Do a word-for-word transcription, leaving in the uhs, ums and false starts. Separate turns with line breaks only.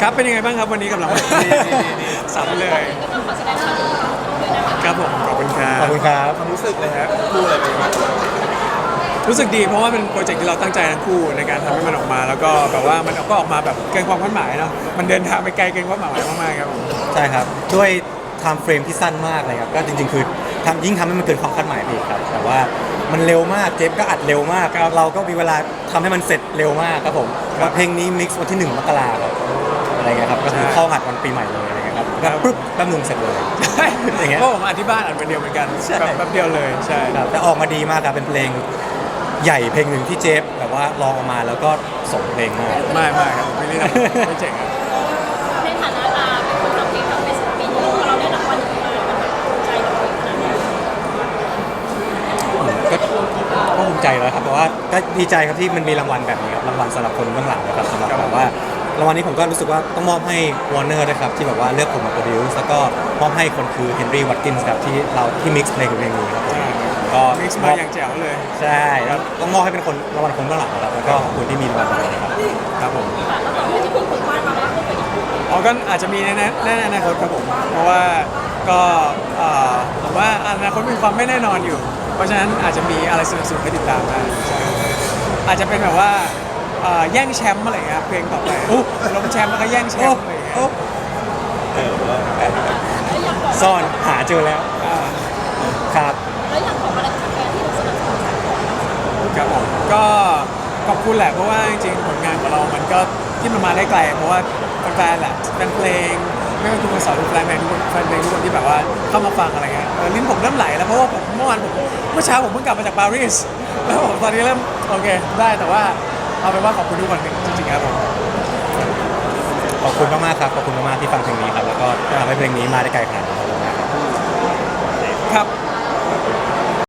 ครับเป็นยังไงบ้างครับวันนี้กับรางวัลสามเลยครับผมขอบคุณครับ
ขอบคุณครับ
ความรู้สึกเลยฮะคู่อะไรเป็นยังไง
รู้สึกดีเพราะว่าเป็นโปรเจกต์ที่เราตั้งใจทั้งคู่ในการทำให้มันออกมา แล้วก็แบบว่ามันก็ออกมาแบบเกินความคาดหมายเนาะมันเดินทางไปไกลเกินความหมายมากๆครับผม
ใช่ครับด้วยไทม์เฟรมที่สั้นมากเลยครับก็จริงๆคือทำยิ่งทำให้มันเกินความคาดหมายไปอีกครับแต่ว่ามันเร็วมากเจฟก็อัดเร็วมากเราก็มีเวลาทำให้มันเสร็จเร็วมากครับผมว่าเพลงนี้มิกซ์วันที่หนึ่งมกราครับอะไรเงี้ยครับก็คือเข้าหัดวันปีใหม่เลยอะไรเงี้ยครับก็ปุ๊บแป๊บนึงเสร็จเลย
ใช่
อย่างเงี้ย
เพราะผมอัดที่บ้านอัดวันเดียวเหมือนกัน
ใช่
แบบแป๊บเดียวเลยใช่
ครับแต่ออกมาดีมากครับเป็นเพลงใหญ่เพลงหนึ่งที่เจฟแบบว่าลองออกมาแล้วก็ส่งเพลงมาก
ไม่ไม่ครับไม่ได้ทำไม่เจ๋งครับ
ในฐานะอาเป็นคนทำเพลงทำเป็นศิลปินพอเราได้รางวัลอย่างนี้มามันแบบภูมิใจเราขนาดไหน
ก็ก็ภูมิใจแล้วครับแต่ว่าก็ดีใจครับที่มันมีรางวัลแบบนี้ครับรางวัลสำหรับคนเบื้องหลังนะครับสำหรับแบบว่ารางวัลนี้ผมก็รู้สึกว่าต้องมอบให้ Warner นะครับที่แบบว่าเลือกผมมาโปรดิวซ์แล้วก็มอบให้คนคือ Henry Watkins ครับที่เราที่มิกซ์เพลงเพลงนี้ครับผมก็
มิกซ์มาอย่างแจ๋วเลย
ใช่แล้วต้องมอบให้เป็นคนรางวัลคนเบื้องหลังนะครับแล้วก็ขอบคุณที่มีรางวัลแบบนี้ครับ
ครับผม
ค่ะแล้วต่อไปที่คุณฝึกวาดมาแล้วก็เป็นอีก
อ๋อก็อาจจะมีในแน่ในอนาคตครับผมเพราะว่าก็เอ่อผมว่าอนาคตมีความไม่แน่นอนอยู่ เพราะฉะนั้นอาจจะมีอะไรสนุกๆให้ติดตามได้ใช่อาจจะเป็นแบบว่าเอ่อแย่งแชมป์อะไรเงี้ยครับเพลงต่อไปลงแชมป์แล้วก็แย่งแชมป์อะไรเงี้ย
ซ่อนหาเจอแล้ว
อ่า
ครับ
แล้วอย่างของอะไรกับแฟนที่เราสนับสนุน
ครับผมก็ขอบคุณแหละเพราะว่าจริงๆผลงานของเรามันก็ที่มันมาได้ไกล เพราะว่าแฟนๆแหละเป็นเพลงไม่ว่าทุกคนสอนทุกแฟนเพลงทุกคนแฟนเพลงทุกคนที่แบบว่าเข้ามาฟังอะไรเงี้ยเออลิ้นผมเริ่มไหลแล้วเพราะว่าผมเมื่อวานผมเมื่อเช้าผมเพิ่งกลับมาจากปารีสแล้วผมตอนนี้เริ่มโอเคได้แต่ว่าเอาเป็นว่าขอบคุณทุกคนจริงๆครับผม
ขอบคุณมากๆครับขอบคุณมากๆที่ฟังเพลงนี้ครับแล้วก็ทำให้เพลงนี้มาได้ไกลขนาดนี้ครับ
ครับ